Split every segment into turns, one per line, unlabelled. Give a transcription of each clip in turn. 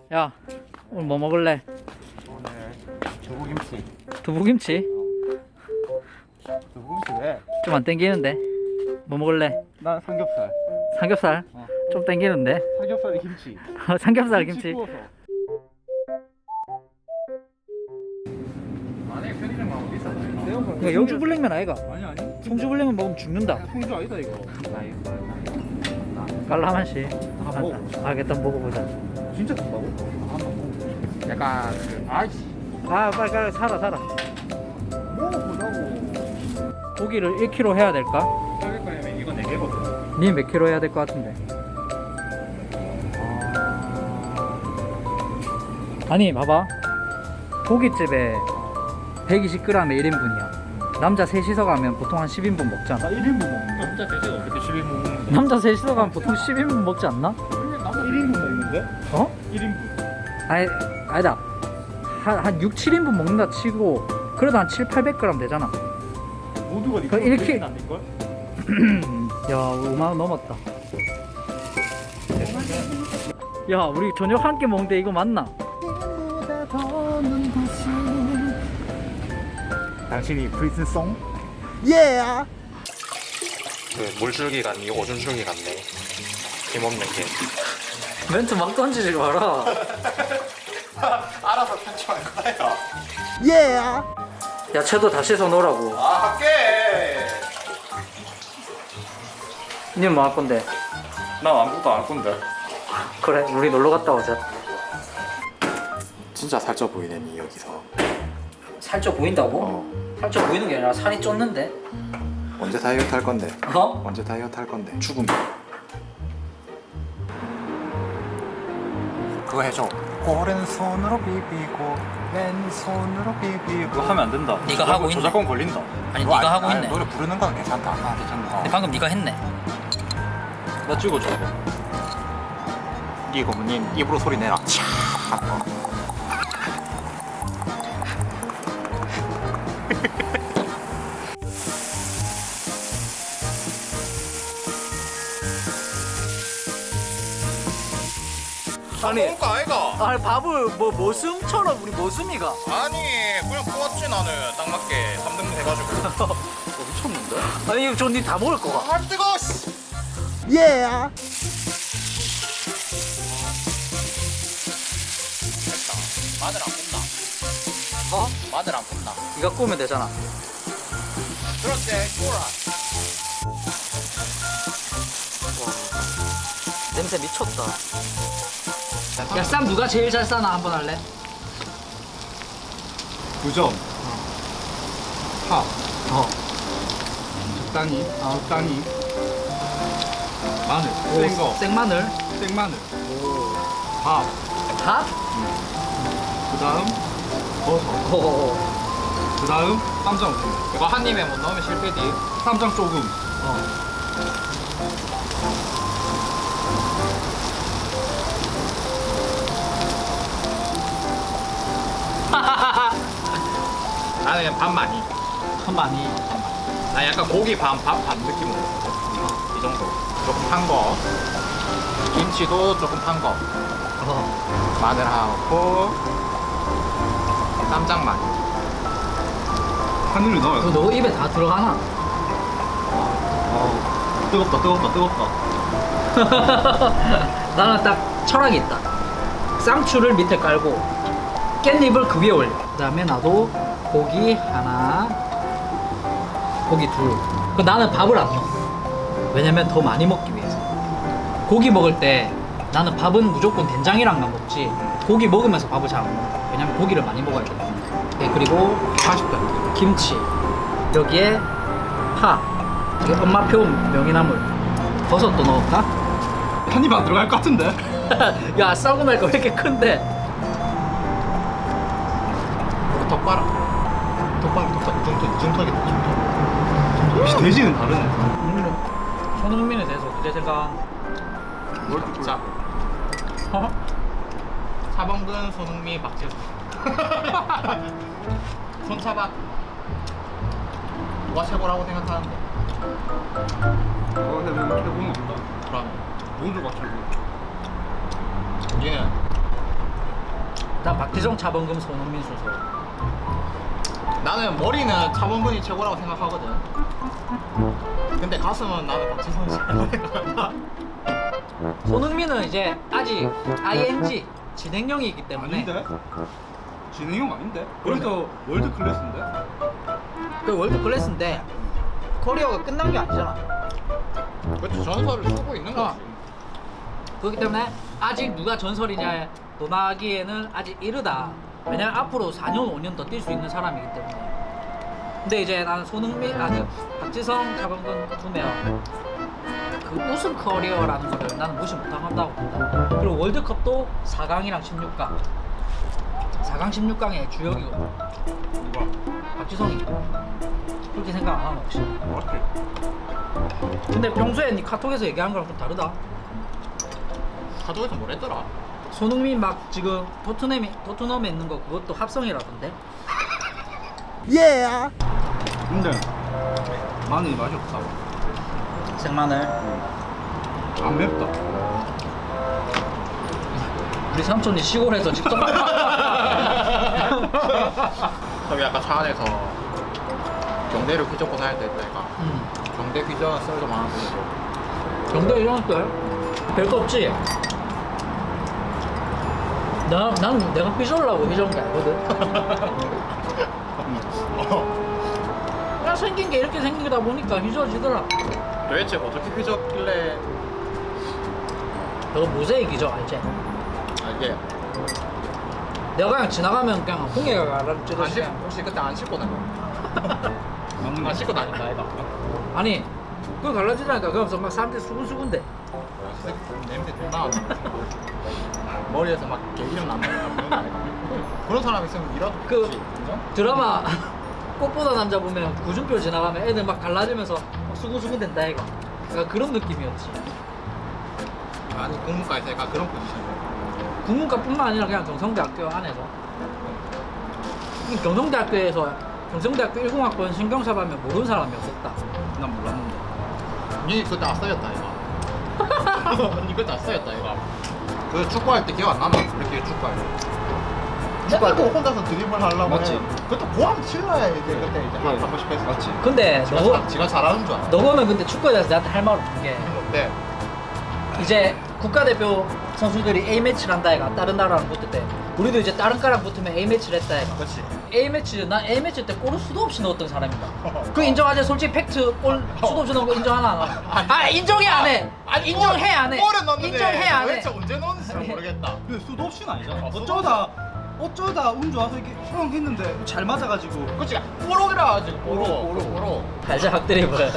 야, 오늘 뭐 먹을래?
오늘 두부김치.
두부김치?
두부김치 왜?
좀 안 땡기는데. 뭐 먹을래?
난 삼겹살.
삼겹살?
어.
좀 땡기는데.
삼겹살에 김치.
삼겹살 김치.
구워서. 안에 편의점 가면 비싸다.
이거 영주 블랙면 아이가?
아니 아니.
송주 블랙면 먹으면 죽는다.
송주 아니다 이거.
깔라만시.
아, 먹어.
알겠다, 먹어보자.
진짜 좋다고? 한번 먹어. 약간 그 아이씨.
아, 빨리 사라.
먹어보자고.
고기를 1kg 해야 될까?
저기 거면 이거 4개거든.
니 몇 킬로 해야 될 것 같은데. 아니, 봐봐. 고깃집에 120g에 1인분이야. 남자 셋이서 가면 보통 한 10인분 먹잖아.
나 1인분 먹는데. 남자 대신 어떻게 10인분 먹는데?
남자 셋이서 가면 보통 10인분 먹지 않나?
남자 1인분 먹는데?
어?
1인분.
아니다. 한 6, 7인분 먹는다 치고 그래도 한 7, 800g 되잖아.
모두가
그 이렇게-
안 될걸?
야, 5만원 넘었다. 야, 우리 저녁 한 끼 먹는데 이거 맞나?
당신이 프리즌송?
그 물줄기 같니? 오줌줄기 같네. 힘없는 게.
멘트 막 던지지 마라.
알아서 편집할 거예요.
야채도 다 씻어 놓으라고.
아, 할게.
니 뭐 할 건데?
난 아무것도 안 할 건데.
그래, 우리 놀러 갔다 오자.
진짜 살쪄 보이네, 니 여기서.
살쪄 보인다고?
어.
살쪄 보이는 게 아니라 살이 쪘는데?
언제 다이어트 할 건데?
어?
언제 다이어트 할 건데? 죽음. 그거 해줘. 오른손으로 비비고 왼손으로 비비고.
그거 하면 안 된다.
네가 하고 있네.
저작권 걸린다.
아니,
그거
네가
아-
하고
아니,
있네.
노래 부르는 건 괜찮다. 아, 괜찮다.
근데 방금 네가 했네.
나 찍어줘 이거.
네 고모님 입으로 소리 내라. 차.
아니,
먹을 거 아이가?
아니 밥을 뭐 모슴처럼 우리 모슴이가.
아니 그냥 뽑았지 나는 딱 맞게 3등분 해가지고.
미쳤는데?
아니 이거 저니 다 먹을 거가.
아 뜨거워. 씨. 마늘 안 굽나?
어?
마늘 안 굽나?
네가 꾸면 되잖아.
그렇지 꼬라.
냄새 미쳤다. 야, 쌈 누가 제일 잘 싸나 한번 할래?
9점. 파.
어.
적당히. 적당히. 마늘. 센 거.
생마늘.
생마늘. 밥.
밥?
그 다음 버섯.
어.
그 다음 쌈장.
이거 한 입에 못 넣으면 실패지.
쌈장 조금.
나는 그냥 밥 많이.
참 많이.
나 약간 고기 밥 느낌으로 먹거든. 이 정도. 조금 판 거. 김치도 조금 판 거.
어.
마늘하고 쌈장 많이.
하늘을 넣어요.
그거 너 입에 다 들어가나?
뜨겁다.
나는 딱 철학이 있다. 쌍추를 밑에 깔고 깻잎을 그 위에 올려. 그 다음에 나도 고기 하나, 고기 둘. 그 나는 밥을 안 넣어. 왜냐면 더 많이 먹기 위해서. 고기 먹을 때 나는 밥은 무조건 된장이랑만 먹지 고기 먹으면서 밥을 잘 안 먹어. 왜냐면 고기를 많이 먹어야 돼. 네, 그리고
맛있다.
김치, 여기에 파, 이게 엄마표 명이나물, 버섯도 넣을까?
한 입 안 들어갈 것 같은데?
야, 싸고 날거 왜 이렇게 큰데?
덕바라. 중턱이.
역시 돼지는 다르네.
손흥민에 대해서 어떻게 생각?
자. 차범근, 손흥민, 박재수. 손차박. 누가 최고라고 생각하는데?
근데 왜 이렇게 보는 건가?
그럼
모두가 최고.
우리는
나 박지성, 차범근, 손흥민 순서.
나는 머리는 차범근이 최고라고 생각하거든. 근데 가슴은 나는 박지성 씨.
손흥민은 이제 아직 ING 진행형이기 때문에
아닌데? 진행형 아닌데? 그래서 월드 클래스인데?
그 월드 클래스인데 커리어가 끝난 게 아니잖아.
그렇지, 전설을 쓰고 있는 거지.
그렇기 때문에 아직 누가 전설이냐 논하기에는 아직 이르다. 왜냐면 앞으로 4년 5년 더 뛸 수 있는 사람이기 때문에. 근데 이제 나는 손흥민, 그 박지성, 차범근 두면 그 우승 커리어라는 거를 나는 무시 못한다고 본다. 그리고 월드컵도 4강이랑 16강. 4강 16강의 주역이거든.
누가?
박지성이. 그렇게 생각 안 하나 혹시?
맞지?
근데 평소에 니 카톡에서 얘기한 거랑 좀 다르다.
카톡에서 뭘 했더라?
손흥민 막 지금 토트넘에 있는 거 그것도 합성이라던데?
근데 마늘이 맛이 없다.
생마늘.
안 맵다.
우리 삼촌이 시골에서 직접
저기 아까 차 안에서 경대를 휘젓고 다닐 때 있다 이가. 경대 휘저은 썰도 많았는데.
경대 이런 걸 별거 없지? 난 내가 삐져려고 휘저은 게 알거든. 그냥 생긴 게 이렇게 생기다 보니까 휘저어지더라.
도대체 어떻게 휘젓길래?
저거 모세이기죠, 알지?
아 이게
내가 그냥 지나가면 그냥 홍해가
안
가라앉듯이
씻, 혹시 그때 안 씻고 다녀?
맞는
안 씻고 다닌다 아이가.
아니 그거 갈라지다니까. 그러면서 막 사람들이 수근수근대.
냄새 존나 안 나. 머리에서 막 개기름 난다. 그런 사람 있으면 일하도
그-
좋지. 인정?
드라마 꽃보다 남자 보면 구준표 지나가면 애들 막 갈라지면서 막 수근수근 된다 이거. 그러니까 그런 느낌이었지.
아니 공무과에서 약간 그런 포지션이야.
국문과뿐만 아니라 그냥 경성대학교 안에서. 경성대학교에서 경성대학교 10학번 신경사 하면 모르는 사람이 없었다.
난 몰랐는데.
니 그때 아싸였다 이거. 니 그때 아싸였다 이거. 그 축구할 때 기억 안 나나? 그렇게 축구할 때. 축구할 때 혼자서 드리블 하려고
맞지?
해. 그때 고함 칠러야 이제 그때 이제 한 번씩 했어.
맞지?
근데
지가 잘하는 줄 알아.
너거는 근데 축구에 대해서 나한테 할 말 없는 게
어때?
이제 국가대표 선수들이 A매치를 한다 해가 다른 나라랑 붙을 때 우리도 이제 다른 과랑 붙으면 A매치를 했다 해가.
그렇지.
난 A매치 때 골을 수도 없이 넣었던 사람이다. 그 인정하지? 솔직히 팩트 골 수도 없이 넣은 거 인정하나 안 하나? 아 인정해 안 해. 인정해 안 해.
골은 넣는데
인정해 안 해.
도대체 언제 넣었는지 잘 모르겠다.
근데 수도 없이는 아니잖아.
수도
어쩌다 운 좋아서 이렇게 형 했는데 잘 맞아가지고.
그렇지. 뽀록이라 가지고 뽀록.
알지 학드리블.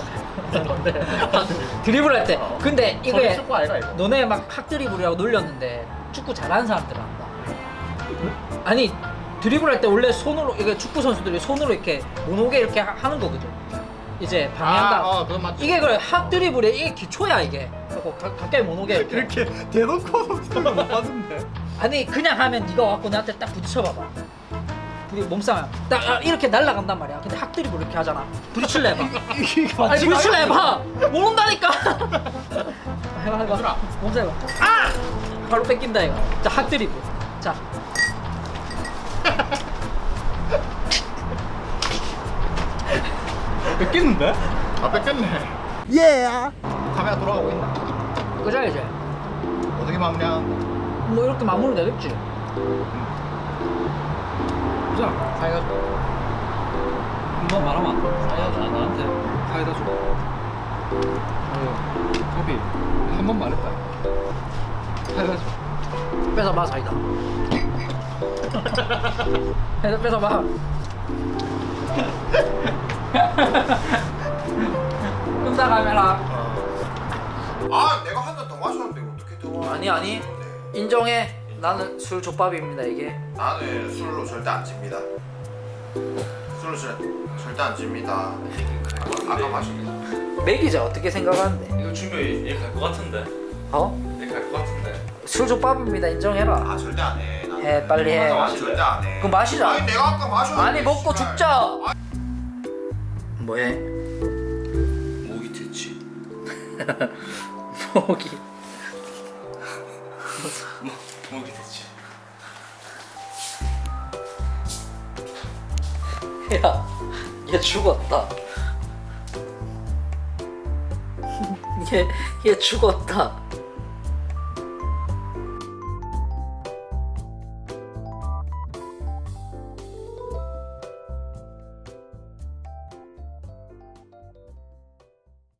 드리블 할 때. 근데
저게
이게
축구 아이가 이거.
너네 막 학드리블이라고 놀렸는데 축구 잘하는 사람들은 안다. 아니 드리블 할 때 원래 손으로 이게 축구 선수들이 손으로 이렇게 못 오게 이렇게 하는 거거든. 이제 방해한다.
그건 맞지.
이게 그래 학 드리블의 이게 기초야 이게. 그래서 가까이 못 오게 이렇게.
이렇게 대놓고 소리 못 봤는데.
아니 그냥 하면 네가 와갖고 나한테 딱 부딪혀봐봐. 우리 몸싸움 딱 이렇게 날아간단 말이야. 근데 학 드리블 이렇게 하잖아. 부딪힐래 해봐.
이게
아니
맞지?
부딪힐래 해봐. 모른다니까. 해봐.
얘들아.
몸싸움 해봐. 아! 바로 뺏긴다 이거. 자 학 드리블. 자.
뺏겼는데?
아 뺏겼네. 카메라 돌아가고 있나?
그자 이제.
어떻게 마무리하는데?
뭐 이렇게 마무리 되겠지.
자,
사이가
한번 말하면 안 돼. 사이다 나한테 사이다 줘. 커피 한 번 말했다. 사이다 줘.
뺏어봐 사이다. 뺏어봐. 끈다 카메라.
아 내가 한 잔 더 마셨는데 어떻게 더
아니 인정해. 나는 술 족밥입니다 이게.
나는 술로 절대 안 집니다. 술로 절대 안 집니다. 아까 마셨는데
맥이자 어떻게 생각하는데?
이거 준비 얘갈것 같은데.
어?
얘갈것 같은데.
술 족밥입니다 인정해라.
아 절대 안 해. 나는.
해, 빨리 해.
아, 절대 안 해.
그럼 마시자.
아니 내가 아까 마셨는데.
아니 먹고
씨발.
죽자. 뭐해?
목이 됐지.
목이.
목이 됐지.
야, 얘 죽었다. 얘 죽었다.